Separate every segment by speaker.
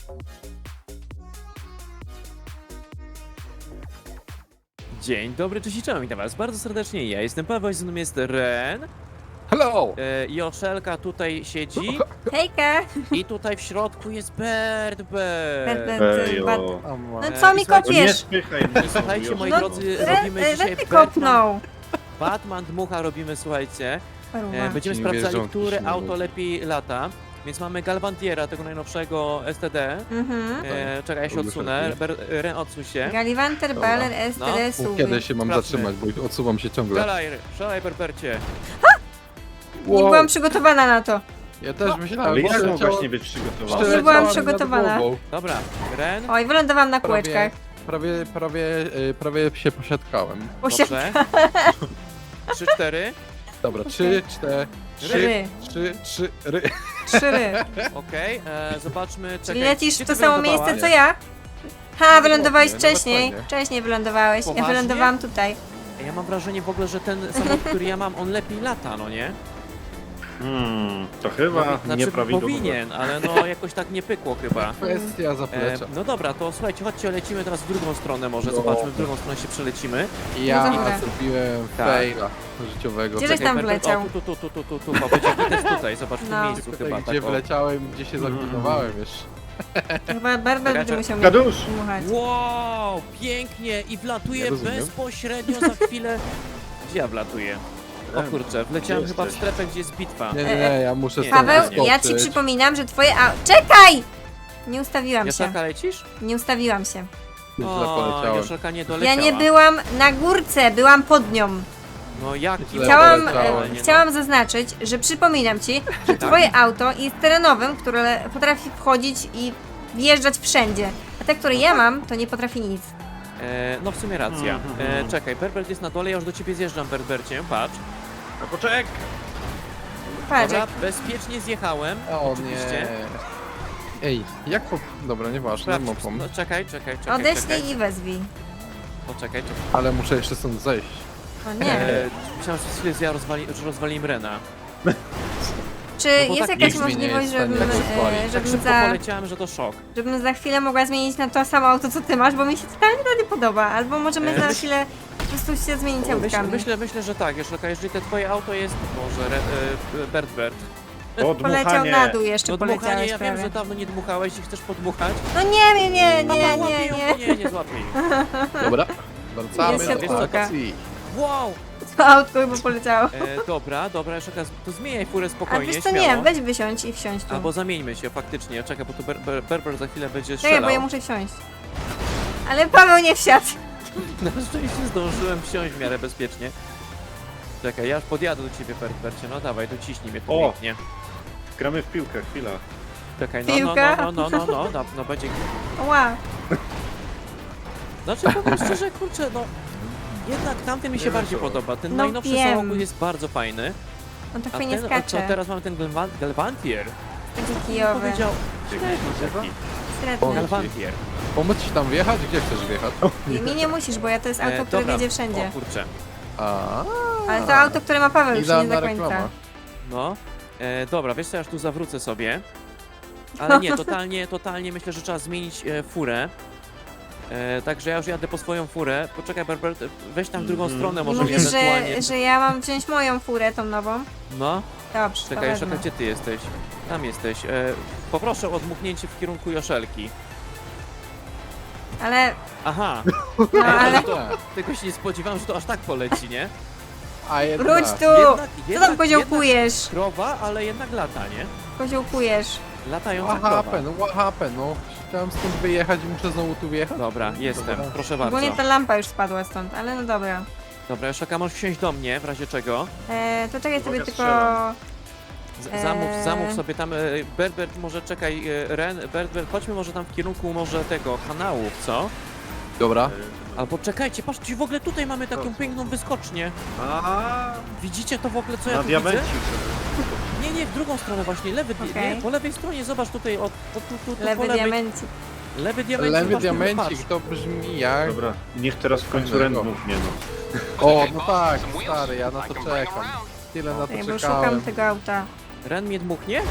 Speaker 1: Dzień dobry, cześć i czołem, witam was bardzo serdecznie, ja jestem Paweł, ze mną jest Ren,
Speaker 2: Hello!
Speaker 1: Joszelka tutaj siedzi
Speaker 3: Hejka!
Speaker 1: i tutaj w środku jest Bert.
Speaker 3: No
Speaker 2: No
Speaker 3: co mi
Speaker 1: słuchajcie,
Speaker 4: To nie
Speaker 3: kopiesz?
Speaker 4: spychaj mnie.
Speaker 1: Słuchajcie, moi
Speaker 3: No,
Speaker 1: drodzy, robimy dzisiaj
Speaker 3: Red mi kopnął.
Speaker 1: Batman Dmucha robimy, słuchajcie.
Speaker 3: Paruwa.
Speaker 1: Będziemy
Speaker 2: Nie
Speaker 1: sprawdzali,
Speaker 2: wierzą,
Speaker 1: które
Speaker 2: piśmie
Speaker 1: auto
Speaker 2: ludzie.
Speaker 1: lepiej lata. Więc mamy Galvantiera, tego najnowszego STD.
Speaker 3: Mhm.
Speaker 1: Czekaj, ja się odsunę. Ren, odsuń się.
Speaker 3: Gallivanter,
Speaker 2: Dobra.
Speaker 3: Baller,
Speaker 1: No.
Speaker 3: STD, SUV.
Speaker 2: Kiedy się mam
Speaker 1: Sprawdźmy.
Speaker 2: zatrzymać, bo odsuwam się ciągle.
Speaker 1: Szalaj, Berbercie.
Speaker 3: Nie byłam przygotowana na to.
Speaker 2: Ja też myślałem,
Speaker 4: Ale
Speaker 2: bo
Speaker 4: jak
Speaker 2: leciało-
Speaker 4: mogłaś nie być przygotowana?
Speaker 3: Nie byłam
Speaker 2: przeleciałem
Speaker 3: przygotowana.
Speaker 2: nad głową.
Speaker 1: Dobra, Ren,
Speaker 3: Oj, wylądowałam na kółeczkach.
Speaker 2: Prawie się posiadkałem.
Speaker 1: dobrze. 3-4.
Speaker 2: Dobra, 3, 4, 3,
Speaker 3: Ry.
Speaker 2: 3.
Speaker 3: 3 ry.
Speaker 1: Okej, zobaczmy,
Speaker 3: Czyli
Speaker 1: czekaj.
Speaker 3: lecisz
Speaker 1: gdzie
Speaker 3: w
Speaker 1: ty
Speaker 3: to samo
Speaker 1: wylądowałaś?
Speaker 3: miejsce co ja? Ha, wylądowałeś
Speaker 2: Nawet
Speaker 3: wcześniej.
Speaker 2: fajnie.
Speaker 3: Wcześniej wylądowałeś. Ja
Speaker 1: Poważnie?
Speaker 3: wylądowałam tutaj.
Speaker 1: Ja mam wrażenie w ogóle, że ten samochód, który ja mam, on lepiej lata, no nie?
Speaker 4: To chyba
Speaker 1: Znaczy
Speaker 4: nieprawidłowo.
Speaker 1: powinien, ale no jakoś tak nie pykło chyba.
Speaker 2: Kwestia zaplecza.
Speaker 1: No dobra, to słuchajcie, chodźcie, lecimy teraz w drugą stronę może,
Speaker 2: No.
Speaker 1: zobaczmy, w drugą stronę się przelecimy.
Speaker 2: Ja
Speaker 3: No dobra.
Speaker 2: zrobiłem
Speaker 1: Tak.
Speaker 2: faila życiowego.
Speaker 3: Gdzie żeś tam
Speaker 1: Berber,
Speaker 3: wleciał?
Speaker 1: O, tu, o, będzie gites tutaj, zobacz w
Speaker 3: No.
Speaker 1: tym miejscu chyba,
Speaker 2: Gdzie
Speaker 1: tak o.
Speaker 2: wleciałem, gdzie się zaglinowałem jeszcze.
Speaker 3: Chyba Barber będzie musiał mnie
Speaker 4: Kadusz!
Speaker 3: dmuchać.
Speaker 1: Wow, pięknie i wlatuje
Speaker 2: Nie rozumiem.
Speaker 1: bezpośrednio za chwilę. Gdzie ja wlatuję? O kurczę, wleciałem
Speaker 4: Gdzie
Speaker 1: chyba w
Speaker 4: jesteś?
Speaker 1: strefę, gdzie jest bitwa.
Speaker 2: Nie, ja muszę
Speaker 1: Nie,
Speaker 2: stąd
Speaker 3: Paweł, ja ci
Speaker 2: wyskoczyć.
Speaker 3: przypominam, że twoje Czekaj! Nie ustawiłam się.
Speaker 1: Joszelka, lecisz?
Speaker 3: Nie ustawiłam się.
Speaker 2: Źle
Speaker 1: O,
Speaker 2: poleciałem.
Speaker 1: Joszelka nie
Speaker 3: Ja
Speaker 1: doleciała.
Speaker 3: nie byłam na górce, byłam pod nią.
Speaker 1: No jaki
Speaker 2: Źle
Speaker 3: Chciałam,
Speaker 2: poleciałem.
Speaker 3: chciałam zaznaczyć, że przypominam ci, że twoje auto jest terenowym, które potrafi wchodzić i wjeżdżać wszędzie. A te, które ja mam, to nie potrafi nic.
Speaker 1: No w sumie racja. Czekaj, Berbert jest na dole, ja już do ciebie zjeżdżam, Berbercie, patrz.
Speaker 4: No poczek!
Speaker 3: Patrz,
Speaker 1: Dobra,
Speaker 3: jak
Speaker 1: bezpiecznie zjechałem.
Speaker 2: O
Speaker 1: oczywiście.
Speaker 2: nie. Ej, jak po... Dobra, nieważne,
Speaker 1: Sprawdź,
Speaker 2: mopą.
Speaker 1: no, czekaj.
Speaker 3: odeślij i wezwij.
Speaker 1: Poczekaj.
Speaker 2: Ale muszę jeszcze stąd zejść.
Speaker 3: O nie.
Speaker 1: Myślałem, że ja rozwaliłem Rena.
Speaker 3: Czy
Speaker 1: bo
Speaker 3: jest
Speaker 1: tak
Speaker 3: jakaś
Speaker 2: nikt mnie nie
Speaker 3: możliwość,
Speaker 2: jest w stanie
Speaker 3: żebym,
Speaker 2: rozwalić.
Speaker 1: Tak
Speaker 3: żebym,
Speaker 1: szybko poleciałem, że to szok.
Speaker 3: żebym za chwilę mogła zmienić na to samo auto, co ty masz, bo mi się totalnie to nie podoba. Albo możemy za chwilę po prostu się zmienić autkami.
Speaker 1: Myślę, że tak, Joszelka, jeżeli to twoje auto jest... Może Bert.
Speaker 3: Poleciał na dół jeszcze,
Speaker 1: No dmuchanie,
Speaker 3: poleciałeś
Speaker 1: ja wiem, że
Speaker 3: prawie.
Speaker 1: dawno nie dmuchałeś i chcesz podmuchać.
Speaker 3: No nie.
Speaker 1: Nie złapię jej.
Speaker 2: Dobra, wracamy
Speaker 3: Jest
Speaker 2: do
Speaker 1: siatkówka.
Speaker 2: akcji.
Speaker 1: Wow!
Speaker 3: To autko chyba poleciało.
Speaker 1: Dobra, Joszelka, to zmieniaj furę
Speaker 3: A
Speaker 1: spokojnie,
Speaker 3: wiesz co,
Speaker 1: śmiało.
Speaker 3: nie, weź wysiądź i wsiądź tu.
Speaker 1: Albo zamieńmy się faktycznie, czekaj, bo tu Berber za chwilę będzie
Speaker 3: Czekaj,
Speaker 1: strzelał.
Speaker 3: bo ja muszę wsiąść. Ale Paweł nie wsiadł.
Speaker 1: Na szczęście zdążyłem wsiąść w miarę bezpiecznie. Czekaj, ja już podjadę do ciebie, Berbercie, no dawaj, dociśnij mnie tu
Speaker 4: O!
Speaker 1: pięknie.
Speaker 4: Gramy w piłkę, chwila.
Speaker 1: Czekaj,
Speaker 3: Piłka?
Speaker 1: no będzie...
Speaker 3: Ła.
Speaker 1: Znaczy, powiem szczerze, kurczę, no... Jednak tamten mi się
Speaker 4: Nie
Speaker 1: bardziej
Speaker 4: wiem, co.
Speaker 1: podoba, ten
Speaker 3: No
Speaker 1: najnowszy
Speaker 3: wiem.
Speaker 1: samochód jest bardzo fajny.
Speaker 3: On tak
Speaker 1: A
Speaker 3: fajnie
Speaker 1: ten,
Speaker 3: skacze.
Speaker 1: teraz mamy ten Galvantier.
Speaker 3: Taki kijowy.
Speaker 1: Powiedział...
Speaker 4: Dzięki.
Speaker 3: Sredny.
Speaker 1: Galvantier.
Speaker 2: Pomóc ci tam wjechać? Gdzie chcesz wjechać?
Speaker 3: Mi nie musisz, bo ja to jest auto, które
Speaker 1: dobra.
Speaker 3: jedzie wszędzie.
Speaker 1: O kurczę,
Speaker 2: A,
Speaker 3: Ale to auto, które ma Paweł, już nie
Speaker 2: idealna
Speaker 3: do końca.
Speaker 2: reklama.
Speaker 1: no. Dobra, wiesz co, ja już tu zawrócę sobie. Ale nie, totalnie myślę, że trzeba zmienić furę. Także ja już jadę po swoją furę. Poczekaj, Berbert, weź tam w drugą stronę, może
Speaker 3: Mówisz,
Speaker 1: ewentualnie...
Speaker 3: że ja mam wziąć moją furę, tą nową?
Speaker 1: No,
Speaker 3: Dobrze, to
Speaker 1: czekaj,
Speaker 3: wezmę.
Speaker 1: gdzie ty jesteś? Tam jesteś. Poproszę o odmuchnięcie w kierunku Joszelki.
Speaker 3: Ale,
Speaker 1: Aha,
Speaker 3: no ale...
Speaker 1: tylko się nie spodziewałem, że to aż tak poleci, nie?
Speaker 2: A jednak.
Speaker 3: Wróć tu! Co
Speaker 1: Jednak
Speaker 3: tam koziołkujesz?
Speaker 1: krowa, ale jednak lata, nie?
Speaker 3: Koziołkujesz.
Speaker 1: Latająca
Speaker 2: What
Speaker 1: krowa.
Speaker 2: happened? What happened? No, chciałem stąd wyjechać i muszę znowu tu wjechać?
Speaker 1: Dobra, jestem,
Speaker 2: Dobra.
Speaker 1: proszę bardzo.
Speaker 3: Ogólnie ta lampa już spadła stąd, ale no dobra.
Speaker 1: Dobra, Joszelka, możesz wsiąść do mnie, w razie czego.
Speaker 3: To czekaj sobie
Speaker 4: Uwaga,
Speaker 3: tylko...
Speaker 4: strzelam.
Speaker 1: Zamów sobie tam, Berbert, może czekaj, Berbert, chodźmy może tam w kierunku może tego, kanałów, co?
Speaker 2: Dobra.
Speaker 1: Albo czekajcie, patrzcie, w ogóle tutaj mamy taką piękną wyskocznię.
Speaker 4: A,
Speaker 1: Widzicie to w ogóle, co ja
Speaker 4: na
Speaker 1: tu widzę?
Speaker 4: diamencik.
Speaker 1: Nie, w drugą stronę właśnie,
Speaker 3: Okej.
Speaker 1: nie, po lewej stronie, zobacz tutaj, tu po
Speaker 3: Lewy
Speaker 1: lewej.
Speaker 3: diamencik.
Speaker 1: Lewy diamencik.
Speaker 2: Lewy
Speaker 1: patrz,
Speaker 2: diamencik, to brzmi jak...
Speaker 4: Dobra, niech teraz w końcu
Speaker 2: Fajnego.
Speaker 4: Ren mównie, no.
Speaker 2: O, no tak, stary, ja na to czekam. Tyle na to
Speaker 3: Czekaj, bo
Speaker 2: czekałem.
Speaker 3: szukam tego auta.
Speaker 1: Ren mnie dmuchnie?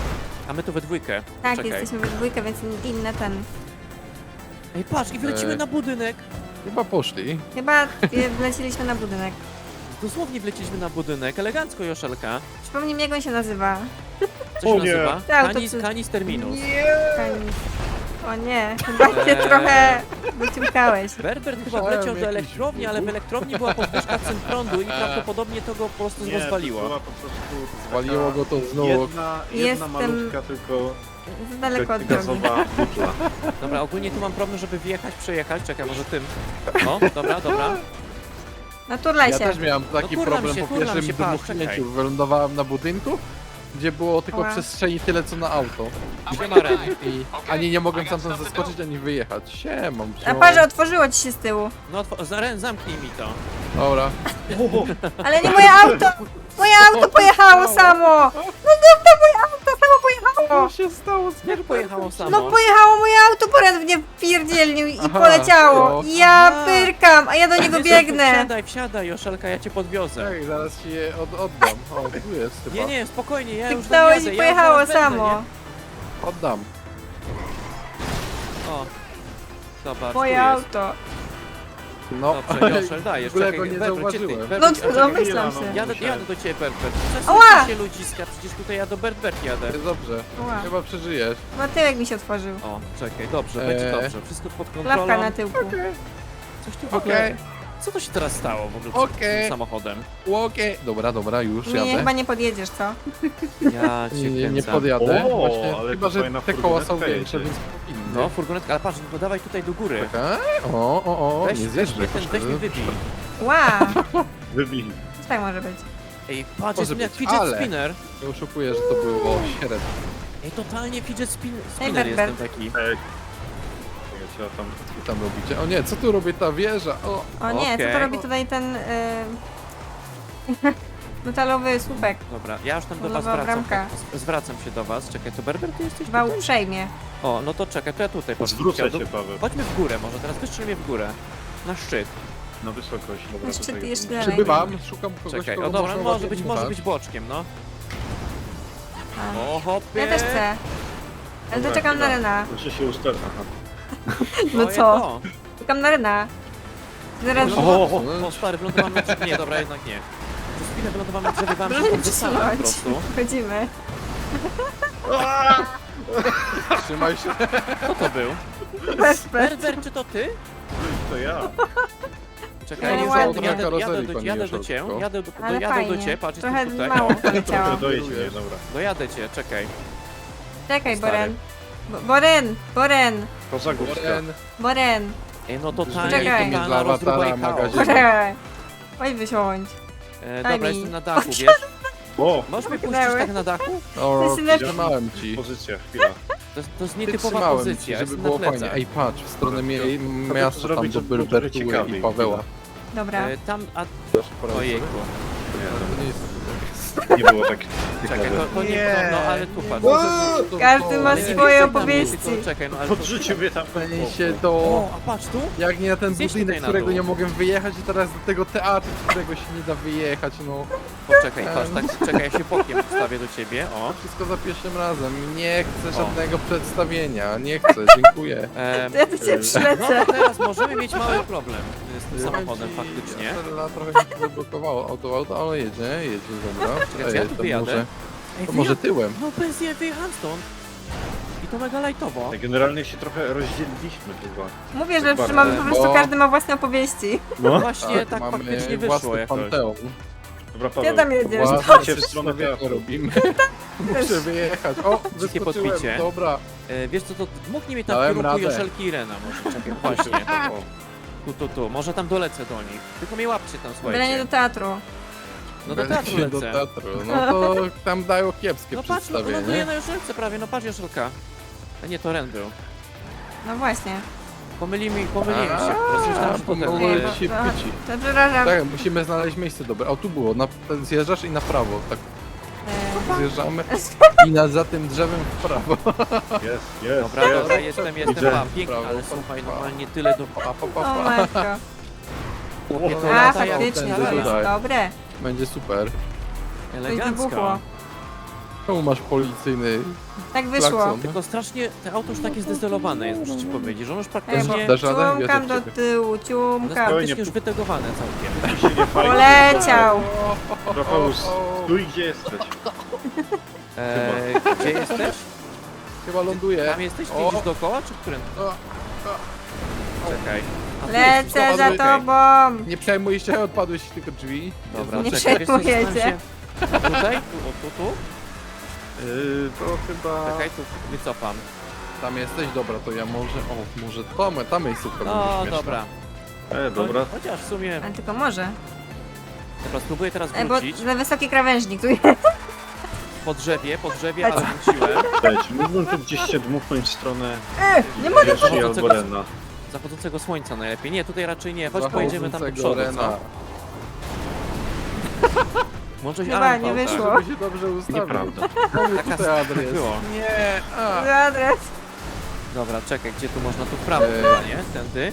Speaker 1: A my to we dwójkę.
Speaker 3: Tak,
Speaker 1: Czekaj.
Speaker 3: jesteśmy we dwójkę, więc inne ten.
Speaker 1: Ej, patrz, i wlecimy na budynek.
Speaker 2: Chyba poszli.
Speaker 3: Chyba wleciliśmy na budynek.
Speaker 1: Dosłownie wleciliśmy na budynek. Elegancko, Joszelka.
Speaker 3: Przypomnij mi, jak on się nazywa.
Speaker 1: Co się
Speaker 4: O nie.
Speaker 1: nazywa?
Speaker 3: Tak, to
Speaker 1: Canis,
Speaker 3: ty-
Speaker 1: canis terminus.
Speaker 3: Kanis. O nie, chyba się
Speaker 1: Eee.
Speaker 3: trochę wyciągałeś.
Speaker 1: Berbert chyba
Speaker 2: Słyszałem
Speaker 1: wleciał do
Speaker 2: jakiś
Speaker 1: elektrowni, ale w elektrowni była podwyżka cen prądu i prawdopodobnie to go po prostu
Speaker 4: Nie, to
Speaker 1: rozwaliło.
Speaker 4: była po prostu
Speaker 2: Zwaliło go to znowu.
Speaker 4: jedna
Speaker 3: Jestem-
Speaker 4: malutka tylko
Speaker 3: Za daleko od drogi.
Speaker 4: gazowa butla.
Speaker 1: Dobra, ogólnie tu mam problem, żeby wjechać, przejechać. Czekaj, może tym. No, dobra, dobra.
Speaker 3: No turlaj
Speaker 2: Ja
Speaker 3: się.
Speaker 2: też miałem taki
Speaker 1: No turlam
Speaker 2: problem
Speaker 1: się,
Speaker 2: po
Speaker 1: turlam
Speaker 2: pierwszym
Speaker 1: się, patrz,
Speaker 2: dmuchnięciu.
Speaker 1: czekaj.
Speaker 2: Wylądowałem na budynku, gdzie było tylko
Speaker 3: Ała.
Speaker 2: przestrzeni tyle co na auto.
Speaker 1: Siema, Ren.
Speaker 2: I ani nie mogłem stamtąd zeskoczyć, ani wyjechać. Siemam.
Speaker 3: A parze otworzyło ci się z tyłu.
Speaker 1: No, Ren, zamknij mi to.
Speaker 2: Dobra.
Speaker 3: Ale nie moje auto! Moje auto pojechało samo! No to moje auto samo pojechało!
Speaker 2: Co się stało z
Speaker 1: Jak pojechało samo?
Speaker 3: No pojechało moje auto, Boren w nie wpierdzielnił i
Speaker 2: Aha,
Speaker 3: poleciało.
Speaker 2: to-
Speaker 3: Ja
Speaker 1: Aha.
Speaker 3: pyrkam, a ja do niego
Speaker 1: Jezu,
Speaker 3: biegnę.
Speaker 1: Wsiadaj, Joszelka, ja cię podwiozę.
Speaker 2: Tak, zaraz ci je oddam. O, tu jest chyba.
Speaker 1: Nie, nie, spokojnie, ja już tam
Speaker 3: Kliknąłeś
Speaker 1: jadę,
Speaker 3: i
Speaker 1: ja
Speaker 3: pojechało
Speaker 1: zaraz będę,
Speaker 3: samo.
Speaker 2: Oddam.
Speaker 1: nie? O. Zobacz,
Speaker 3: Moje
Speaker 1: tu jest.
Speaker 3: auto.
Speaker 2: No,
Speaker 1: Dobrze, Joszel, dajesz,
Speaker 2: w ogóle
Speaker 1: czekaj,
Speaker 2: go nie
Speaker 1: Berbert, gdzie ty?
Speaker 2: zauważyłem.
Speaker 1: Berbert,
Speaker 3: No,
Speaker 1: czekaj,
Speaker 3: domyślam
Speaker 4: chwila,
Speaker 3: się.
Speaker 1: Jadę do ciebie, Berbert.
Speaker 3: Ała!
Speaker 1: Przesuńcie się ludziska, przecież tutaj ja do Berbert jadę.
Speaker 2: Jest dobrze.
Speaker 3: Ła.
Speaker 2: Chyba przeżyjesz.
Speaker 3: No tyłek mi się otworzył.
Speaker 1: O, czekaj, dobrze, będzie dobrze. Wszystko pod kontrolą.
Speaker 3: Klapka na tyłku.
Speaker 1: Coś tu w ogóle...
Speaker 2: Okej.
Speaker 1: Co to się teraz stało w ogóle z
Speaker 2: Okej.
Speaker 1: tym samochodem?
Speaker 2: Okej. Dobra, już
Speaker 3: Mnie
Speaker 2: jadę.
Speaker 3: chyba nie podjedziesz, co?
Speaker 1: Ja cię
Speaker 2: Nie
Speaker 1: kręcę.
Speaker 2: podjadę.
Speaker 4: O,
Speaker 2: Właśnie,
Speaker 4: ale
Speaker 2: chyba,
Speaker 4: to
Speaker 2: że
Speaker 4: fajna
Speaker 2: te koła są
Speaker 4: furgonetka
Speaker 2: większe,
Speaker 4: jedzie.
Speaker 2: więc powinny.
Speaker 1: No, furgonetka, ale patrz, no dawaj tutaj do góry.
Speaker 2: Czekaj. O,
Speaker 1: Weź,
Speaker 2: nie
Speaker 1: weź,
Speaker 2: zjeżdżę.
Speaker 1: mnie ten, weź mnie wybij.
Speaker 3: Ła!
Speaker 4: Wybij.
Speaker 3: Co tak może być?
Speaker 1: Ej, patrz,
Speaker 2: Może
Speaker 1: jest jak
Speaker 2: być,
Speaker 1: fidget
Speaker 2: ale-
Speaker 1: spinner.
Speaker 2: Nie oszukuję, że to było średnie.
Speaker 1: Ej, totalnie fidget spinner
Speaker 3: Berbert.
Speaker 1: jestem taki.
Speaker 4: Ej. Ja tam...
Speaker 2: Co tam robicie? O nie, co tu robi ta wieża?
Speaker 3: O nie, co to
Speaker 1: Okej.
Speaker 3: robi tutaj ten... metalowy słupek.
Speaker 1: Dobra, ja już tam do was
Speaker 3: Nowa
Speaker 1: wracam.
Speaker 3: bramka.
Speaker 1: Zwracam się do was. Czekaj, to Berber, ty jesteś
Speaker 3: Wał
Speaker 1: tutaj?
Speaker 3: uprzejmie.
Speaker 1: O, no to czekaj, to ja tutaj
Speaker 4: Zwrócę
Speaker 1: chciał
Speaker 4: cię, Paweł.
Speaker 1: Chodźmy w górę może, teraz wystrzelimy w górę. Na szczyt.
Speaker 4: Na wysokość. Dobra,
Speaker 3: Jeszcze
Speaker 4: tutaj
Speaker 3: ty jeszcze
Speaker 4: jest.
Speaker 3: dalej.
Speaker 2: Przybywam, szukam kogoś,
Speaker 1: Czekaj,
Speaker 2: kogo
Speaker 1: o dobra,
Speaker 2: można
Speaker 1: może
Speaker 2: ładnie
Speaker 1: być
Speaker 2: dmuchać.
Speaker 1: boczkiem, no.
Speaker 3: A.
Speaker 1: O, hopie.
Speaker 3: Ja też chcę. Ale to
Speaker 4: Dobra,
Speaker 3: czekam na
Speaker 4: chwila.
Speaker 3: Rena.
Speaker 4: Muszę się ustawić. Aha.
Speaker 3: No
Speaker 1: To
Speaker 3: co?
Speaker 1: jedno.
Speaker 3: Czekam na Rena. Zaraz...
Speaker 1: O, stary, wylądowałem na drzewie. Nie, dobra, jednak nie. Przez chwilę wylądowałem na drzewie, wam się tam wysadzam po prostu.
Speaker 3: Chodzimy.
Speaker 2: Trzymaj się.
Speaker 1: Kto to był?
Speaker 3: Berber.
Speaker 1: Berber, czy to ty?
Speaker 4: To ja.
Speaker 1: Czekaj,
Speaker 3: Ale
Speaker 1: jadę,
Speaker 3: ładnie.
Speaker 1: jadę,
Speaker 2: Karoserii,
Speaker 1: jadę,
Speaker 2: pani
Speaker 1: jadę do
Speaker 2: Joszelko.
Speaker 1: ciebie, jadę
Speaker 3: Ale
Speaker 1: do
Speaker 3: fajnie.
Speaker 1: ciebie, patrz,
Speaker 3: Trochę
Speaker 1: jestem tutaj.
Speaker 3: mało
Speaker 1: O,
Speaker 3: poleciało.
Speaker 4: Trochę dojedź mnie, dobra.
Speaker 1: dojadę cię, czekaj.
Speaker 3: Czekaj,
Speaker 1: Stary.
Speaker 3: Boren. Boren!
Speaker 4: Poza górska.
Speaker 2: Boren,
Speaker 3: Boren!
Speaker 1: Ej, no totalnie,
Speaker 3: Czekaj.
Speaker 2: Dla
Speaker 1: totalna rozruba
Speaker 2: awatara
Speaker 1: i chaos.
Speaker 2: magazynu.
Speaker 3: Boren! Oj, wysiądź.
Speaker 1: Dobra,
Speaker 3: mi.
Speaker 1: jestem na dachu, wiesz?
Speaker 4: O!
Speaker 1: Możesz mnie puścić
Speaker 3: Pchnęły.
Speaker 1: tak na dachu?
Speaker 2: o,
Speaker 3: Synek-
Speaker 2: trzymałem ci.
Speaker 4: Pozycja, chwila.
Speaker 1: To jest
Speaker 2: Ty
Speaker 1: nietypowa
Speaker 2: trzymałem ci,
Speaker 1: pozycja,
Speaker 2: żeby
Speaker 1: jestem
Speaker 2: było
Speaker 1: na
Speaker 2: fajnie.
Speaker 1: plecach.
Speaker 2: Ej, patrz, w stronę
Speaker 4: to
Speaker 2: miasta tam
Speaker 4: zrobić,
Speaker 2: do
Speaker 4: żeby było trochę
Speaker 2: Berbertuły
Speaker 4: ciekawiej.
Speaker 2: i Paweła.
Speaker 3: Dobra.
Speaker 1: Tam, a
Speaker 2: Ojejku.
Speaker 1: ojejku.
Speaker 2: To nie jest...
Speaker 4: Nie było tak
Speaker 1: Czekaj, to nie,
Speaker 4: Nie.
Speaker 1: no ale tu patrz.
Speaker 3: Każdy ma
Speaker 1: Ale nie
Speaker 3: swoje
Speaker 1: wjeżdżaj na mnie,
Speaker 3: opowieści.
Speaker 1: tylko Czekaj, no ale to...
Speaker 4: Podrzucił mnie tam.
Speaker 2: się do...
Speaker 1: O, a patrz tu?
Speaker 2: Jak nie na ten
Speaker 1: Zjedź
Speaker 2: budynek,
Speaker 1: tutaj
Speaker 2: z
Speaker 1: na
Speaker 2: którego
Speaker 1: dół.
Speaker 2: nie mogłem wyjechać i teraz do tego teatru, z którego się nie da wyjechać, no.
Speaker 1: Poczekaj, patrz, tak, czekaj, ja się bokiem wstawię do ciebie, o.
Speaker 2: Wszystko za pierwszym razem. Nie chcę
Speaker 1: O.
Speaker 2: żadnego przedstawienia, nie chcę, dziękuję.
Speaker 3: To ja do ciebie
Speaker 1: No
Speaker 3: przylecę.
Speaker 1: to teraz możemy mieć mały problem z tym samochodem faktycznie.
Speaker 2: Trochę mi się zablokowało auto, ale jedzie, dobra.
Speaker 1: Czekaj, czy ja tu
Speaker 2: to
Speaker 1: wyjadę?
Speaker 2: może,
Speaker 1: Ej,
Speaker 2: to może tyłem.
Speaker 1: No bez je wyjechałem stąd. I to mega lajtowo.
Speaker 4: Generalnie się trochę rozdzieliliśmy chyba.
Speaker 3: Mówię, że
Speaker 4: Bardzo.
Speaker 3: mamy po prostu
Speaker 2: Bo-
Speaker 3: każdy ma własne opowieści.
Speaker 4: No.
Speaker 1: Właśnie tak
Speaker 2: mamy
Speaker 1: faktycznie wyszło
Speaker 2: własny
Speaker 1: jakoś.
Speaker 2: panteon.
Speaker 4: Dobra,
Speaker 3: Gdzie
Speaker 4: Paweł.
Speaker 3: tam jedziesz?
Speaker 2: Własne
Speaker 4: Cię w stronę
Speaker 2: przedstawienie
Speaker 4: teatru.
Speaker 2: robimy. Muszę wyjechać. O,
Speaker 1: Dzikie
Speaker 2: wyskoczyłem,
Speaker 1: podbicie.
Speaker 2: dobra.
Speaker 1: Wiesz co, to dmuchnij mnie tam w
Speaker 2: Dałem
Speaker 1: kierunku
Speaker 2: radę.
Speaker 1: Joszelki i Rena może. Czekaj, właśnie. Tu. Może tam dolecę do nich. Tylko mnie łapcie tam,
Speaker 3: Byle nie
Speaker 1: słuchajcie.
Speaker 3: do teatru.
Speaker 1: No do teatru
Speaker 2: Będzie do
Speaker 1: lecę.
Speaker 2: teatru. No to tam dają kiepskie
Speaker 1: No patrz, no ląduję
Speaker 2: przedstawienie.
Speaker 1: na Joszelce prawie, no patrz Joszelka. A nie, to Ren był.
Speaker 3: No właśnie.
Speaker 1: Pomyliłem się. Rozmyślałem, że to ten
Speaker 2: pomogłem
Speaker 1: był.
Speaker 2: ci pyci.
Speaker 3: To przepraszam.
Speaker 2: Tak, musimy znaleźć miejsce dobre. O, tu było. Zjeżdżasz i na prawo. Tak zjeżdżamy. I za tym drzewem w prawo.
Speaker 4: Jest.
Speaker 1: Dobra, jestem,
Speaker 4: Widzę.
Speaker 1: pięknie,
Speaker 2: Brawo,
Speaker 1: ale słuchaj, normalnie tyle do...
Speaker 3: O matko.
Speaker 1: Chłopie, to
Speaker 3: A,
Speaker 1: lata jak
Speaker 3: faktycznie,
Speaker 2: ten
Speaker 3: to jest
Speaker 2: tutaj.
Speaker 3: dobre.
Speaker 2: Będzie super.
Speaker 3: Coś
Speaker 1: elegancko.
Speaker 3: wybuchło.
Speaker 2: Czemu masz policyjny
Speaker 3: Tak wyszło.
Speaker 2: klakson?
Speaker 1: Tylko strasznie, te auto już takie zdezelowane jest, muszę ci powiedzieć, że ono już
Speaker 3: Ej,
Speaker 1: praktycznie...
Speaker 2: Dasz radę? Wierzę
Speaker 3: ciumkam
Speaker 2: w
Speaker 3: do
Speaker 2: ciebie.
Speaker 3: tyłu,
Speaker 1: Ono jest
Speaker 3: ciumkam.
Speaker 1: praktycznie już wytegowane całkiem.
Speaker 4: Tu się nie fajnie.
Speaker 3: Poleciał.
Speaker 4: Rafał, stój gdzie jesteś.
Speaker 1: Gdzie jesteś?
Speaker 2: Chyba ląduje.
Speaker 1: Tam jesteś?
Speaker 2: O.
Speaker 1: Widzisz dookoła, czy którym? Czekaj. A tu jesteś,
Speaker 3: Lecę
Speaker 1: dobra,
Speaker 3: za
Speaker 1: okej.
Speaker 3: tobą.
Speaker 2: Nie przejmuj się, odpadłeś tylko drzwi.
Speaker 1: Dobra,
Speaker 3: Nie
Speaker 1: czekaj, wiesz co,
Speaker 3: przejmujecie.
Speaker 1: zastanawiam się- A tutaj? Tu?
Speaker 4: To chyba...
Speaker 1: Czekaj, tu wycofam.
Speaker 2: Tam jesteś, dobra, to ja może tam miejscówka będzie
Speaker 1: No,
Speaker 2: śmieszna.
Speaker 1: dobra.
Speaker 4: Dobra.
Speaker 1: Chociaż w sumie...
Speaker 3: Ale tylko może.
Speaker 1: Dobra, spróbuję teraz
Speaker 3: Bo
Speaker 1: wrócić.
Speaker 3: za wysoki krawężnik tu jest.
Speaker 1: Po drzewie, ale wróciłem.
Speaker 4: Cześć, mógłbym tu gdzieś się dmuchnąć w stronę
Speaker 3: Nie mogę
Speaker 4: Yoshi albo Rena.
Speaker 1: Zachodzącego słońca najlepiej. Nie, tutaj raczej nie. Chodź, pojedziemy tam do
Speaker 2: Zachodzącego
Speaker 1: przodu,
Speaker 2: Rena.
Speaker 1: co? Może się
Speaker 3: Chyba nie wyszło.
Speaker 2: Żeby się dobrze ustawił.
Speaker 4: Nieprawda.
Speaker 2: Mamy
Speaker 1: Taka
Speaker 2: tutaj adres.
Speaker 1: było.
Speaker 2: Nie, a.
Speaker 3: Adres.
Speaker 1: Dobra, czekaj, gdzie tu można? Tu w prawo
Speaker 2: Eee.
Speaker 1: chyba, nie? Tędy.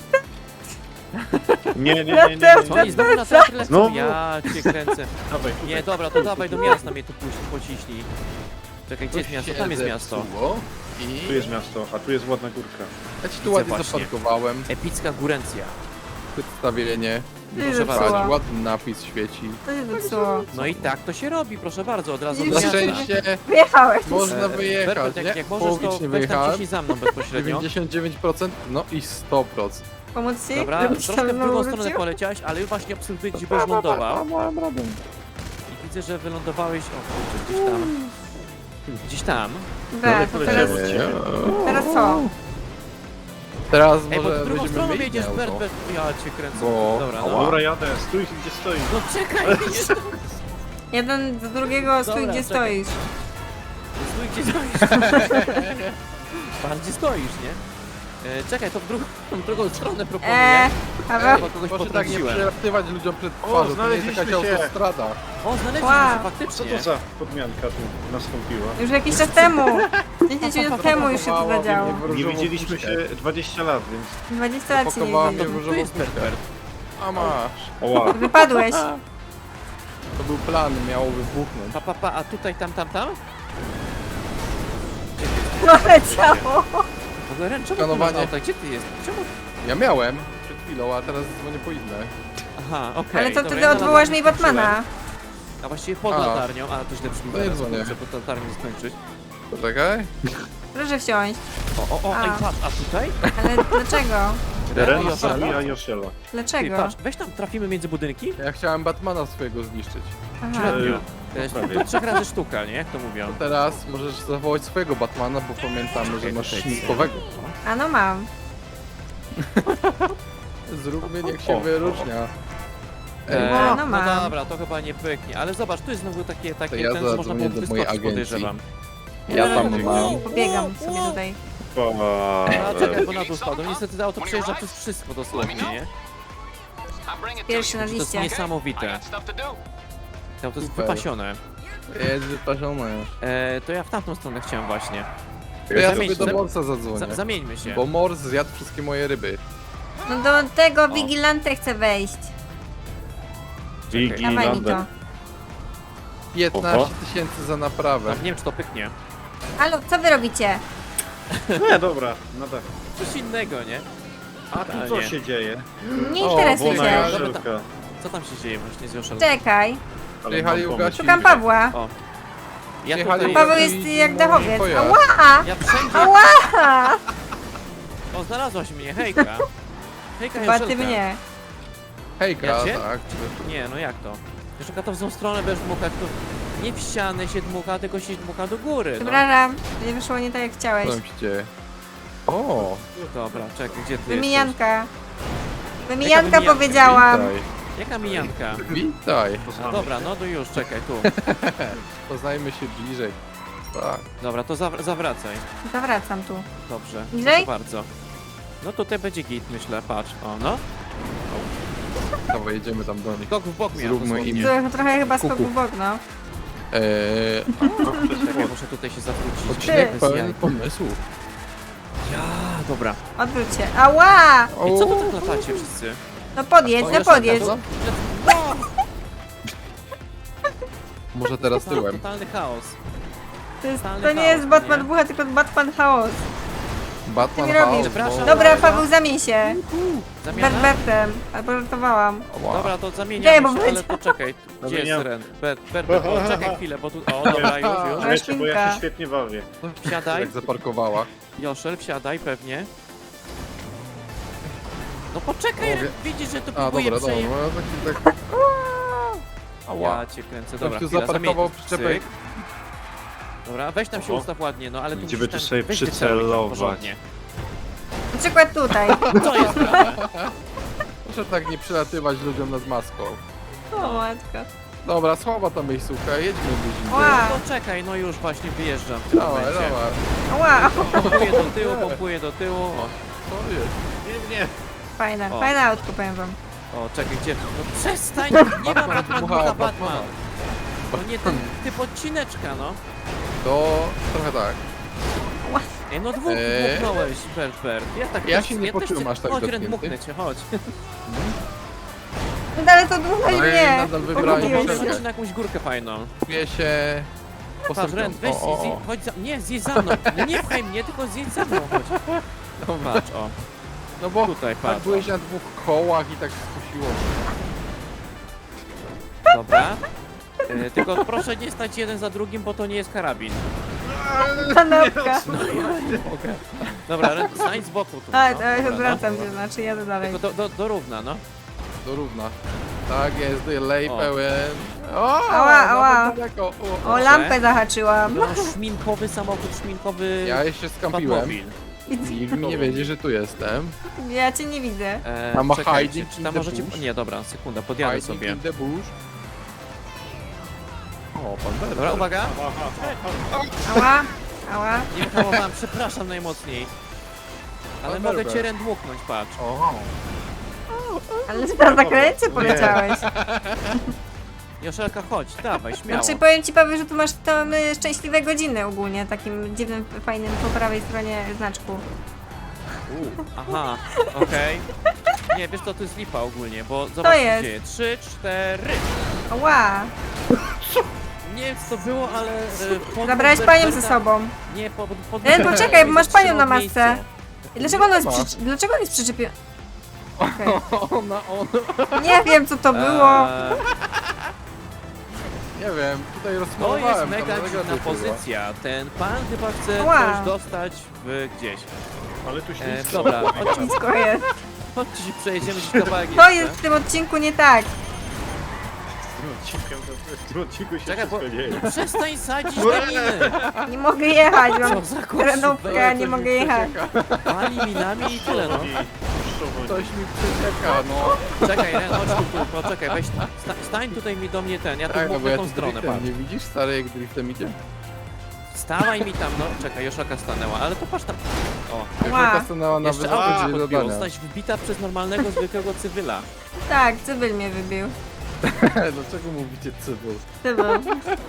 Speaker 4: Nie.
Speaker 1: Co oni znowu na teatr lecą?
Speaker 4: Znowu?
Speaker 1: Ja cię kręcę.
Speaker 4: Dawaj,
Speaker 1: Nie, dobra, to dawaj do miasta mnie tu pociśnij. Czekaj, gdzie jest miasto? Tam jest miasto.
Speaker 4: Tu jest miasto, a tu jest ładna górka.
Speaker 2: Ja ci tu
Speaker 1: Widzę
Speaker 2: ładnie
Speaker 1: właśnie.
Speaker 2: zaparkowałem.
Speaker 1: Epicka górencja.
Speaker 2: Przedstawienie.
Speaker 3: Nie
Speaker 1: Proszę
Speaker 3: zepsuła.
Speaker 1: bardzo.
Speaker 2: Ładny napis świeci.
Speaker 3: To się zepsuło.
Speaker 1: No i tak to się robi, proszę bardzo, od razu do
Speaker 3: Na
Speaker 2: Na
Speaker 1: miasta.
Speaker 2: szczęście
Speaker 3: Wyjechałeś.
Speaker 2: można
Speaker 1: Berbert,
Speaker 2: wyjechać,
Speaker 1: jak
Speaker 2: nie?
Speaker 1: możesz, to
Speaker 2: Połowicznie
Speaker 1: weź tam
Speaker 2: wyjechałem.
Speaker 1: ciśnij za mną bezpośrednio.
Speaker 2: 99%, no i 100%.
Speaker 3: Pomóc ci?
Speaker 1: Dobra,
Speaker 3: Żebyś
Speaker 1: troszkę
Speaker 3: tam
Speaker 1: w drugą
Speaker 3: znowu
Speaker 1: stronę
Speaker 3: wrócił?
Speaker 1: poleciałeś, ale właśnie obserwuję, gdzie byś lądował. I widzę, że wylądowałeś... O kurczę, gdzieś tam. Gdzieś tam.
Speaker 3: Dobra, to teraz, teraz co?
Speaker 2: Teraz
Speaker 1: Ej, bo
Speaker 2: może
Speaker 1: w drugą
Speaker 2: będziemy
Speaker 1: stroną
Speaker 2: mieli
Speaker 1: jedziesz,
Speaker 2: auto.
Speaker 1: Berbert. Ja cię kręcę.
Speaker 2: Bo-
Speaker 1: Dobra,
Speaker 2: Ała.
Speaker 1: no.
Speaker 4: Dobra, jadę, stój gdzie stoisz.
Speaker 1: No czekaj, nie
Speaker 3: Jeden do drugiego, stój
Speaker 1: Dobra,
Speaker 3: gdzie
Speaker 1: czekaj.
Speaker 3: stoisz.
Speaker 1: Stój, gdzie stoisz. Pan, gdzie stoisz, nie? Czekaj, to w drugą stronę proponuję.
Speaker 3: Paweł?
Speaker 1: Chyba kogoś
Speaker 2: Proszę tak nie
Speaker 1: potrąciłem.
Speaker 2: przelatywać ludziom przed twarzą, to nie jest jakaś
Speaker 4: znaleźliśmy się.
Speaker 2: autostrada.
Speaker 1: O, znaleźliśmy
Speaker 3: Wow.
Speaker 1: się
Speaker 4: Co
Speaker 1: faktycznie.
Speaker 4: to za podmianka tu nastąpiła?
Speaker 3: Już jakiś czas temu. 10 minut temu już się to
Speaker 2: Zapakowała
Speaker 3: zadziało.
Speaker 2: mnie w
Speaker 4: Nie
Speaker 2: różową
Speaker 4: widzieliśmy
Speaker 2: puszkę.
Speaker 4: się 20 lat, więc...
Speaker 3: 20 lat się nie
Speaker 2: Zapakowała mnie w
Speaker 3: widzieli.
Speaker 1: Tu
Speaker 2: różową
Speaker 1: jest
Speaker 2: puszkę.
Speaker 1: Berbert.
Speaker 2: A masz.
Speaker 4: Oła,
Speaker 3: Wypadłeś.
Speaker 2: To był plan, miało wybuchnąć.
Speaker 1: Pa, a tutaj, tam?
Speaker 3: No leciało.
Speaker 1: W ogóle Ren, czemu ty
Speaker 2: Skanowanie.
Speaker 1: masz auto? Gdzie ty jest? Czemu?
Speaker 2: Ja miałem przed chwilą, a teraz dzwonię po inne.
Speaker 1: Aha, okej.
Speaker 3: Ale to
Speaker 1: dobra,
Speaker 3: wtedy
Speaker 1: ja na
Speaker 3: odwołasz mi
Speaker 1: latarni skończyłem.
Speaker 3: Batmana.
Speaker 1: A właściwie pod
Speaker 2: A.
Speaker 1: latarnią, a to źle brzmi
Speaker 2: To nie
Speaker 1: teraz,
Speaker 2: dzwonię.
Speaker 1: muszę pod latarnią skończyć.
Speaker 2: Poczekaj.
Speaker 3: Proszę wsiąść.
Speaker 1: O,
Speaker 3: A.
Speaker 1: ej, patrz, a tutaj?
Speaker 3: Ale dlaczego?
Speaker 4: Ren
Speaker 1: Joszela?
Speaker 4: zabija Josiela.
Speaker 1: Ty,
Speaker 3: Dlaczego?
Speaker 1: patrz, weź tam, trafimy między budynki?
Speaker 2: Ja chciałem Batmana swojego zniszczyć.
Speaker 3: Aha.
Speaker 1: Średnio.
Speaker 4: prawie.
Speaker 1: To 3 razy sztuka, nie? Jak to mówią?
Speaker 2: To teraz możesz zawołać swojego Batmana, bo pamiętamy, że masz śminkowego.
Speaker 3: A no mam.
Speaker 2: Zróbmy, niech się wyróżnia.
Speaker 3: No,
Speaker 1: no
Speaker 3: mam.
Speaker 1: dobra, to chyba nie pyknie, ale zobacz, tu jest znowu takie
Speaker 2: ja
Speaker 1: ten, co można
Speaker 2: zadzwonię
Speaker 1: było
Speaker 2: do mojej
Speaker 1: wyskoczyć,
Speaker 2: agencji.
Speaker 1: podejrzewam.
Speaker 2: Ja tam mam.
Speaker 3: Pobiegam sobie tutaj.
Speaker 1: A czekaj, bo na dół spadł. Niestety to auto przejeżdża przez wszystko dosłownie, nie?
Speaker 3: Pierwszy na
Speaker 1: To jest
Speaker 3: liście.
Speaker 1: niesamowite. To auto jest
Speaker 2: Super.
Speaker 1: wypasione.
Speaker 2: Jest wyparzone.
Speaker 1: To ja w tamtą stronę chciałem właśnie.
Speaker 2: To ja
Speaker 1: Zamień-
Speaker 2: sobie do
Speaker 1: zam-
Speaker 2: Morsa zadzwonię.
Speaker 1: Zamieńmy się.
Speaker 2: Bo Mors zjadł wszystkie moje ryby.
Speaker 3: No do tego Vigilante chcę wejść. Dawaj mi to.
Speaker 2: 15 000 za naprawę.
Speaker 1: Nie wiem, czy to pyknie.
Speaker 3: Halo, co wy robicie?
Speaker 4: Nie, dobra, no tak.
Speaker 1: Coś innego, nie?
Speaker 4: A tu co się dzieje?
Speaker 3: Nie
Speaker 2: O,
Speaker 3: interesuj
Speaker 4: Wona
Speaker 3: się.
Speaker 4: Joszelka.
Speaker 1: Co tam się dzieje właśnie z Joszelą?
Speaker 3: Czekaj.
Speaker 4: Ale
Speaker 2: Przyjechali
Speaker 4: mam
Speaker 2: ugasić.
Speaker 3: Szukam Pawła.
Speaker 1: O. Ja
Speaker 2: Przyjechali
Speaker 1: tutaj...
Speaker 3: Paweł
Speaker 2: ugasić
Speaker 3: jest jak
Speaker 2: mój
Speaker 3: dachowiec.
Speaker 2: pojazd.
Speaker 3: Ała!
Speaker 1: Ja wszędzie...
Speaker 3: Ała!
Speaker 1: O, znalazłaś mnie, hejka. Hejka,
Speaker 3: Chyba
Speaker 1: Joszelka.
Speaker 3: ty mnie.
Speaker 2: Hejka,
Speaker 1: Ja cię?
Speaker 2: tak.
Speaker 1: Nie, no jak to? Joszelka to w tą stronę będziesz dmuchać, to nie w ścianę się dmucha, tylko się dmucha do góry, no.
Speaker 3: Przepraszam, nie wyszło nie tak jak chciałeś.
Speaker 2: Co tam się dzieje? O,
Speaker 1: Dobra, czekaj, gdzie ty jesteś?
Speaker 3: Wymijanka. Wymijanka
Speaker 1: wymijanka?
Speaker 3: powiedziałam.
Speaker 2: witaj.
Speaker 1: Jaka mijanka?
Speaker 2: Witaj.
Speaker 1: A, dobra, no to już, czekaj, tu.
Speaker 2: Poznajmy się bliżej. Tak.
Speaker 1: Dobra, to zawracaj.
Speaker 3: Zawracam tu.
Speaker 1: Dobrze,
Speaker 3: Bliżej?
Speaker 1: proszę bardzo. No tutaj będzie git, myślę, patrz. O, no.
Speaker 2: Dawaj, jedziemy tam do nich.
Speaker 1: Skok w bok miałem
Speaker 2: Zróbmy
Speaker 1: dosłownie.
Speaker 2: im-
Speaker 3: Trochę chyba skoku
Speaker 2: Kuku.
Speaker 3: w bok, no.
Speaker 1: Czekaj, muszę tutaj się zawrócić.
Speaker 2: Odcinek
Speaker 1: Bez
Speaker 2: pełen
Speaker 1: jaj.
Speaker 2: pomysłów.
Speaker 1: Ja, dobra.
Speaker 3: Odwróć się. Ała!
Speaker 1: I co tu tak latacie wszyscy?
Speaker 3: No podjedź,
Speaker 1: O,
Speaker 3: no
Speaker 1: Joszelka,
Speaker 3: podjedź.
Speaker 1: to-
Speaker 2: Może teraz
Speaker 1: Total-
Speaker 2: tyłem.
Speaker 1: Totalny chaos. Totalny
Speaker 3: To nie
Speaker 1: chaos,
Speaker 3: jest Batman
Speaker 1: nie?
Speaker 3: Bucha, tylko Batman Chaos.
Speaker 2: Batman
Speaker 3: Ty mi robisz?
Speaker 2: House,
Speaker 1: Przepraszam.
Speaker 2: no.
Speaker 3: Dobra, Paweł, zamień się.
Speaker 1: Zamiana?
Speaker 3: Berbertem. Albo żartowałam.
Speaker 2: Ała.
Speaker 1: Dobra, to
Speaker 3: Czekaj,
Speaker 1: zamieniamy
Speaker 3: bo
Speaker 1: się,
Speaker 3: będzie-
Speaker 1: ale to czekaj. Gdzie jest
Speaker 4: Zamieniam.
Speaker 1: Ren? Bert, o, czekaj chwilę, bo tu... O, dobra, już.
Speaker 4: Wiecie, bo ja
Speaker 3: Świnka.
Speaker 4: się świetnie bawię.
Speaker 1: Wsiadaj.
Speaker 2: Jak zaparkowała.
Speaker 1: Joszel, wsiadaj pewnie. No poczekaj,
Speaker 2: Mogę.
Speaker 1: Ren, widzisz, że tu
Speaker 2: A,
Speaker 1: próbuję
Speaker 2: dobra, dobra.
Speaker 1: przeje...
Speaker 2: No, tak. Ała.
Speaker 1: Ja cię kręcę,
Speaker 2: Ktoś
Speaker 1: dobra,
Speaker 2: tu
Speaker 1: chwila,
Speaker 2: zaparkował
Speaker 1: zamień-
Speaker 2: przyczepę.
Speaker 1: cyk. Dobra, weź tam się
Speaker 4: Oho.
Speaker 1: ustaw ładnie, no ale tu
Speaker 4: Gdzie
Speaker 1: musisz
Speaker 4: by tu
Speaker 1: tam-
Speaker 4: sobie
Speaker 1: weź wyceluj tam
Speaker 4: przycelować?
Speaker 1: porządnie.
Speaker 3: Na przykład tutaj.
Speaker 1: Co jest grane?
Speaker 2: Proszę tak nie przylatywać ludziom nad maską.
Speaker 3: O matko.
Speaker 2: Dobra, słaba ta miejscówka, jedźmy gdzieś indziej.
Speaker 3: Ła.
Speaker 1: No czekaj, no już właśnie wyjeżdżam w tym
Speaker 2: Dawaj,
Speaker 1: momencie.
Speaker 2: dawaj.
Speaker 3: Ała.
Speaker 1: Pompuję do tyłu, pompuję do tyłu. O,
Speaker 2: Co jest?
Speaker 4: Nie.
Speaker 3: Fajne,
Speaker 1: O.
Speaker 3: fajne autko, powiem wam.
Speaker 1: o, czekaj, gdzie? No przestań, nie ma Batman,
Speaker 2: dmucha
Speaker 1: dmucha
Speaker 2: Batmana.
Speaker 1: Batman. To nie ten typ odcineczka, no.
Speaker 2: To trochę tak.
Speaker 1: Ej, no dwóch dmuchnąłeś, Bert.
Speaker 2: Ja się nie
Speaker 1: też
Speaker 2: poczułem
Speaker 1: cię-
Speaker 2: aż tak
Speaker 1: chodź, Ren,
Speaker 2: dotknięty.
Speaker 1: dmuchnę cię, chodź.
Speaker 3: No ale to dmuchaj
Speaker 2: Ale
Speaker 3: mnie.
Speaker 2: nadal wybrałem
Speaker 3: Pogubiłeś
Speaker 2: czerwień.
Speaker 3: się.
Speaker 1: Chodź na jakąś górkę fajną.
Speaker 2: Czuję się...
Speaker 1: Patrz, Ren, weź, chodź za... Nie, zjedź za mną. Nie pchaj mnie, tylko zjedź za mną, chodź.
Speaker 2: Dobra.
Speaker 1: Patrz, o,
Speaker 2: No bo
Speaker 1: tutaj,
Speaker 2: tak
Speaker 1: patrz.
Speaker 2: byłeś na dwóch kołach i tak skusiło mnie.
Speaker 1: Dobra. Tylko proszę nie stać jeden za drugim, bo to nie jest karabin.
Speaker 3: Kanapka.
Speaker 1: Dobra, Ren, stań z boku tu.
Speaker 3: A,
Speaker 1: no.
Speaker 3: to ja
Speaker 1: Dobra,
Speaker 3: odwracam
Speaker 1: no.
Speaker 3: się, znaczy jadę dalej.
Speaker 1: Tylko do równa, no.
Speaker 2: Do równa. Tak jest, delay
Speaker 1: O.
Speaker 2: pełen. O,
Speaker 3: Ała, ała.
Speaker 2: nawet daleko.
Speaker 3: O, lampę zahaczyłam.
Speaker 1: No, szminkowy samochód, szminkowy
Speaker 2: Ja jeszcze skampiłem.
Speaker 1: Batmobil.
Speaker 2: Nikt mi nie wiedzie, że tu jestem.
Speaker 3: Ja cię nie widzę.
Speaker 2: A
Speaker 1: Czekajcie,
Speaker 2: hiding
Speaker 1: czy
Speaker 2: in
Speaker 1: tam
Speaker 2: the
Speaker 1: możecie...
Speaker 2: bush?
Speaker 1: Nie, dobra, sekunda, podjadę
Speaker 2: Hiding
Speaker 1: sobie.
Speaker 2: in the bush. O, pan Berber.
Speaker 1: Dobra, uwaga.
Speaker 3: Ała, ała.
Speaker 1: Nie wyhamowałem, przepraszam najmocniej. Ale
Speaker 2: Pan
Speaker 1: mogę
Speaker 2: Berber.
Speaker 1: cię Ren dmuchnąć, patrz.
Speaker 2: O,
Speaker 3: Ale na zakręcie poleciałeś.
Speaker 1: Joszelka, chodź, dawaj, śmiało.
Speaker 3: Znaczy powiem ci, Paweł, że tu masz tam szczęśliwe godziny ogólnie, takim dziwnym, fajnym po prawej stronie znaczku.
Speaker 1: Aha, okej. Nie, wiesz co, to jest lipa ogólnie, bo zobacz co
Speaker 3: jest?
Speaker 1: się dzieje. 3, 4.
Speaker 3: Ała.
Speaker 1: Nie wiem co to było, ale...
Speaker 3: Zabrałeś panią ze sobą.
Speaker 1: Nie, pod
Speaker 3: Ren, poczekaj, bo masz panią na masce.
Speaker 1: miejsce.
Speaker 3: Dlaczego on jest,
Speaker 2: Ma.
Speaker 3: dlaczego on jest przyczepiony? Okej.
Speaker 2: on.
Speaker 3: Nie wiem, co to było.
Speaker 2: Nie wiem, tutaj
Speaker 1: To jest
Speaker 2: rozmalowałem.
Speaker 1: mega
Speaker 2: tam
Speaker 1: dziwna
Speaker 2: negatyw była.
Speaker 1: pozycja. Ten pan chyba chce
Speaker 3: Ała.
Speaker 1: coś dostać gdzieś.
Speaker 4: Ale tu ślisko.
Speaker 1: Dobra, chodźcie,
Speaker 3: Blisko jest.
Speaker 1: chodźcie się przejedziemy gdzieś kawałek
Speaker 3: To
Speaker 1: jeszcze.
Speaker 3: jest w tym odcinku nie tak.
Speaker 4: W tym odcinku się
Speaker 1: Czekaj, bo
Speaker 4: wszystko dzieje.
Speaker 1: no przestań sadzić na miny.
Speaker 3: Nie mogę jechać,
Speaker 1: Co
Speaker 3: mam
Speaker 1: za
Speaker 3: terenówkę, nie
Speaker 2: Coś
Speaker 3: mogę
Speaker 2: mi
Speaker 3: jechać.
Speaker 2: przecieka.
Speaker 1: Pali minami i tyle, no.
Speaker 2: Coś mi przecieka, no.
Speaker 1: Czekaj, Ren, chodź tu, poczekaj, weź, stań tutaj mi do mnie ten, ja tu
Speaker 2: Tak, no
Speaker 1: mów
Speaker 2: bo
Speaker 1: na
Speaker 2: ja
Speaker 1: tą
Speaker 2: tu
Speaker 1: stronę,
Speaker 2: driftem,
Speaker 1: patrz.
Speaker 2: nie widzisz stary jak driftem idzie?
Speaker 1: Stawaj mi tam, no, czekaj, Joszaka stanęła, ale to patrz tam. O,
Speaker 2: Joszelka stanęła na
Speaker 1: jeszcze
Speaker 2: wysokości
Speaker 1: auto ci podbiło,
Speaker 2: zadania.
Speaker 1: zostać wbita przez normalnego, zwykłego cywila.
Speaker 3: Tak, cybyl mnie wybił.
Speaker 2: Dlaczego mówicie cywil?
Speaker 3: Cybyl.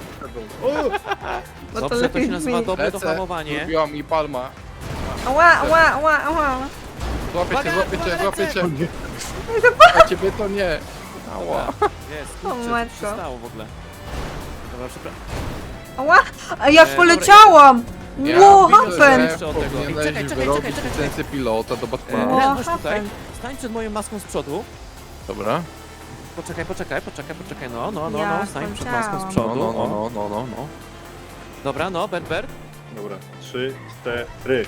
Speaker 3: Bo
Speaker 1: Dobrze, to się
Speaker 3: lepiej
Speaker 1: nazywa
Speaker 3: brzmi.
Speaker 1: dobre
Speaker 2: Lecę,
Speaker 1: dohamowanie.
Speaker 2: lubiła mi palma.
Speaker 3: Ała, ała, ała, ała.
Speaker 2: Złapię cię,
Speaker 1: Uwaga,
Speaker 2: złapię cię,
Speaker 1: uwaga,
Speaker 2: złapię
Speaker 1: lecę.
Speaker 2: cię. A ciebie to nie. Ała.
Speaker 1: Jest,
Speaker 3: O,
Speaker 1: kurczę, co
Speaker 3: matko.
Speaker 1: się stało w ogóle? Dobra, przepraszam.
Speaker 3: Ała, a jak
Speaker 1: dobra,
Speaker 3: poleciałam! Wow,
Speaker 2: widzę,
Speaker 3: happen!
Speaker 2: że
Speaker 1: Jeszcze od tego. Ej,
Speaker 2: powinieneś
Speaker 1: czekaj, czekaj,
Speaker 2: wyrobić
Speaker 1: czekaj, czekaj.
Speaker 2: licencję pilota do Batmana.
Speaker 3: O,
Speaker 1: Ren, chodź tutaj.
Speaker 3: happen.
Speaker 1: Stań przed moją maską z przodu.
Speaker 2: Dobra.
Speaker 1: Poczekaj, no,
Speaker 3: Ja
Speaker 1: stań przed maską z
Speaker 3: skończyłam.
Speaker 1: przodu.
Speaker 2: No,
Speaker 1: O.
Speaker 2: no.
Speaker 1: Dobra, no, Bert.
Speaker 4: Dobra, 3, 4.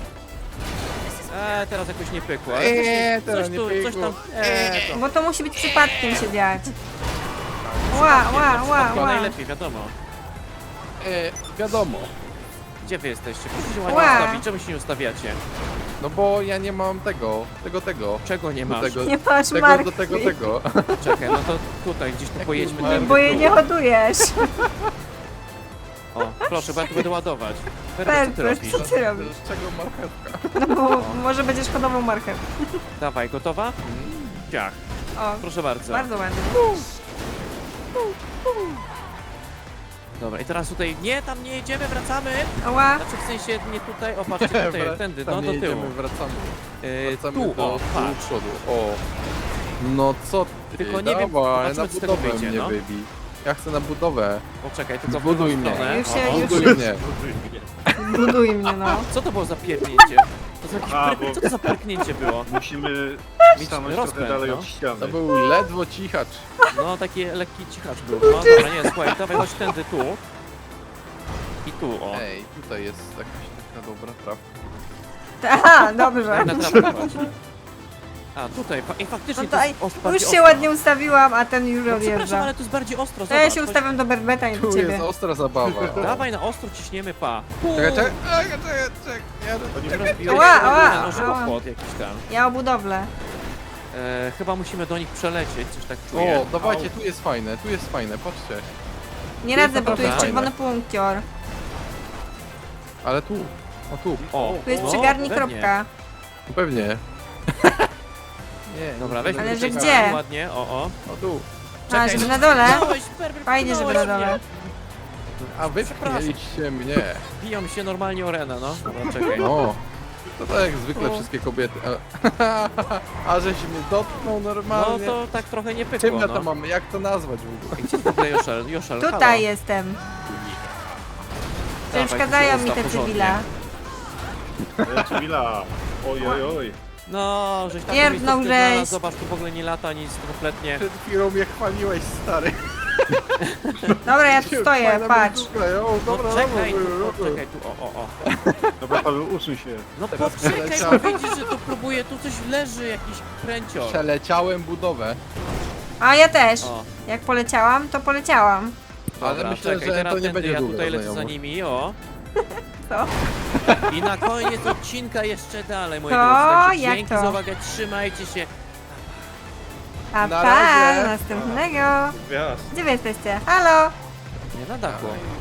Speaker 1: Teraz jakoś nie pykło. ale
Speaker 2: teraz nie
Speaker 1: coś
Speaker 2: pykło.
Speaker 1: tam, to
Speaker 3: Bo to musi być przypadkiem się dziać. Ła, ła, ła,
Speaker 1: chyba
Speaker 3: ła.
Speaker 1: najlepiej, wiadomo.
Speaker 2: Wiadomo.
Speaker 1: Gdzie wy jesteście? Proszę się ładnie
Speaker 3: Ła.
Speaker 1: ustawić, czemu się nie ustawiacie?
Speaker 2: No bo ja nie mam tego.
Speaker 1: Czego nie
Speaker 2: Do
Speaker 1: masz?
Speaker 2: tego,
Speaker 3: Nie masz
Speaker 2: tego,
Speaker 3: marki.
Speaker 2: do tego.
Speaker 1: Czekaj, no to tutaj gdzieś tu pojedźmy.
Speaker 2: marki?
Speaker 1: tędy
Speaker 3: Bo jej
Speaker 1: tu.
Speaker 3: nie hodujesz.
Speaker 1: O, proszę, bo ja tu będę ładować. Bert, co ty
Speaker 3: Bert,
Speaker 1: robisz?
Speaker 3: co ty robisz?
Speaker 2: Z czego marchewka?
Speaker 3: No bo może będziesz hodował marchew.
Speaker 1: Dawaj, gotowa? Ciach,
Speaker 3: O,
Speaker 1: proszę bardzo.
Speaker 3: bardzo ładnie.
Speaker 1: Dobra, i teraz tutaj, nie, tam nie jedziemy, wracamy.
Speaker 3: Ała,
Speaker 1: Znaczy w sensie nie tutaj, o patrzcie tutaj, tędy, no
Speaker 2: Tam
Speaker 1: do
Speaker 2: nie
Speaker 1: tyłu.
Speaker 2: jedziemy, wracamy
Speaker 1: Tu,
Speaker 2: do
Speaker 1: o, patrz.
Speaker 2: przodu. O. No co ty,
Speaker 1: Tylko nie wiem,
Speaker 2: dawaj,
Speaker 1: zobaczmy,
Speaker 2: na
Speaker 1: co z tego
Speaker 2: budowę
Speaker 1: wyjdzie,
Speaker 2: mnie
Speaker 1: no.
Speaker 2: wybij. Ja chcę na budowę.
Speaker 1: Poczekaj, tylko w
Speaker 2: Zbuduj
Speaker 1: drugą
Speaker 2: mnie.
Speaker 1: stronę.
Speaker 3: Już się-
Speaker 1: O, o.
Speaker 3: już-
Speaker 2: Buduj mnie.
Speaker 3: Buduj mnie, no.
Speaker 1: Co to było za pierdnięcie? To za jakieś
Speaker 4: A, bo-
Speaker 1: co to za pyrknięcie było?
Speaker 4: Musimy
Speaker 1: Mieć
Speaker 4: stanąć
Speaker 1: rozpęd,
Speaker 4: trochę dalej
Speaker 1: no.
Speaker 4: od ściany.
Speaker 2: To był ledwo cichacz.
Speaker 1: No, taki lekki cichacz był. No dobra, nie, słuchaj, dawaj, chodź tędy tu. I tu, o.
Speaker 2: Ej, tutaj jest jakaś taka dobra trawka.
Speaker 3: Aha, dobrze.
Speaker 1: Na trawę chodź. A, tutaj, faktycznie
Speaker 3: No
Speaker 1: to
Speaker 3: to,
Speaker 1: jest
Speaker 3: już
Speaker 1: bardziej
Speaker 3: się
Speaker 1: ostro.
Speaker 3: ładnie ustawiłam, a ten już
Speaker 1: No, przepraszam,
Speaker 3: odjeżdża.
Speaker 1: ale tu jest bardziej ostro,
Speaker 3: To ja
Speaker 1: zobacz.
Speaker 3: się
Speaker 1: chodź.
Speaker 3: ustawiam do Berbeta i do
Speaker 2: Tu
Speaker 3: ciebie.
Speaker 2: jest ostra zabawa.
Speaker 1: Dawaj na ostro ciśniemy, pa.
Speaker 2: Czekaj, czekaj. Jadę.
Speaker 4: To nie
Speaker 1: Teraz
Speaker 4: będzie-
Speaker 1: biorę
Speaker 3: Ała, ała,
Speaker 1: no,
Speaker 3: ała.
Speaker 1: żywopłot jakiś tam.
Speaker 3: Ja o budowlę.
Speaker 1: Chyba musimy do nich przelecieć, coś tak czuję.
Speaker 2: O, dawajcie, tu jest fajne, patrzcie.
Speaker 3: Nie
Speaker 2: To jest
Speaker 3: radzę, bo tu jest
Speaker 1: naprawdę
Speaker 3: czerwony punkcior.
Speaker 2: Ale tu. O tu.
Speaker 1: O,
Speaker 3: Tu jest
Speaker 1: no,
Speaker 3: przygarni
Speaker 1: pewnie.
Speaker 3: kropka.
Speaker 2: Pewnie. Nie,
Speaker 1: Dobra, weźmy
Speaker 3: Ale że
Speaker 1: tutaj
Speaker 3: gdzie?
Speaker 1: ładnie, o.
Speaker 2: O tu.
Speaker 3: A,
Speaker 1: Czekaj,
Speaker 3: żeby
Speaker 1: no,
Speaker 3: na dole?
Speaker 1: pchnąłeś, Berber,
Speaker 3: Fajnie, żeby na
Speaker 1: pchnąłeś
Speaker 3: dole.
Speaker 1: mnie.
Speaker 2: A wy
Speaker 1: Przepraszam.
Speaker 2: pchnęliście mnie.
Speaker 1: Biją się normalnie o Renę, no. Dobra, czekaj.
Speaker 2: No. To tak jak zwykle
Speaker 3: O.
Speaker 2: wszystkie kobiety. A żeś mnie dotknął
Speaker 1: No
Speaker 2: normalnie.
Speaker 1: to tak trochę nie
Speaker 2: Czym
Speaker 1: pykło,
Speaker 2: ja to
Speaker 1: no.
Speaker 2: mam? Jak to nazwać w ogóle?
Speaker 1: Gdzie w ogóle Joszel? Joszel, halo.
Speaker 3: Tutaj jestem.
Speaker 1: Dawaj,
Speaker 3: Przeszkadzają
Speaker 1: tu
Speaker 3: mi
Speaker 1: się
Speaker 3: te
Speaker 1: ustaw
Speaker 3: cywila.
Speaker 4: Cywila. Oj, oj, oj.
Speaker 1: No, żeś tam
Speaker 3: Pierdnął
Speaker 1: miejscówkę znalazł,
Speaker 3: żeś.
Speaker 1: zobacz, tu w ogóle nie lata nic kompletnie.
Speaker 2: Przed chwilą mnie chwaliłeś, stary.
Speaker 3: Dobra, ja tu stoję,
Speaker 2: Fajna
Speaker 3: patrz.
Speaker 2: miejscówka. O,
Speaker 1: No
Speaker 2: dobra,
Speaker 1: czekaj,
Speaker 2: dobra,
Speaker 1: tu, czekaj, tu, o.
Speaker 4: Dobra, Paweł, usuń się.
Speaker 1: No
Speaker 2: Teraz
Speaker 1: poczekaj,
Speaker 2: przeleciałem.
Speaker 1: bo widzisz, że tu próbuje, tu coś leży, jakiś kręcior.
Speaker 2: Przeleciałem budowę.
Speaker 3: A ja też.
Speaker 1: O,
Speaker 3: Jak poleciałam, to poleciałam.
Speaker 2: Ale
Speaker 1: dobra,
Speaker 2: myślę,
Speaker 1: czekaj,
Speaker 2: że
Speaker 1: teraz
Speaker 2: to nie
Speaker 1: tędy,
Speaker 2: będzie
Speaker 1: ja
Speaker 2: długa
Speaker 1: tutaj lecę za
Speaker 2: znajomość.
Speaker 1: nimi, o.
Speaker 3: Co?
Speaker 1: I na koniec odcinka jeszcze dalej, moi
Speaker 3: To
Speaker 1: drodzy. Także
Speaker 3: jak
Speaker 1: dzięki
Speaker 3: to?
Speaker 1: za uwagę, trzymajcie się.
Speaker 3: A
Speaker 2: Na
Speaker 3: pa,
Speaker 2: razie.
Speaker 3: następnego.
Speaker 4: Gwiazd.
Speaker 3: Gdzie wy jesteście? Halo?
Speaker 1: Nie na dachu.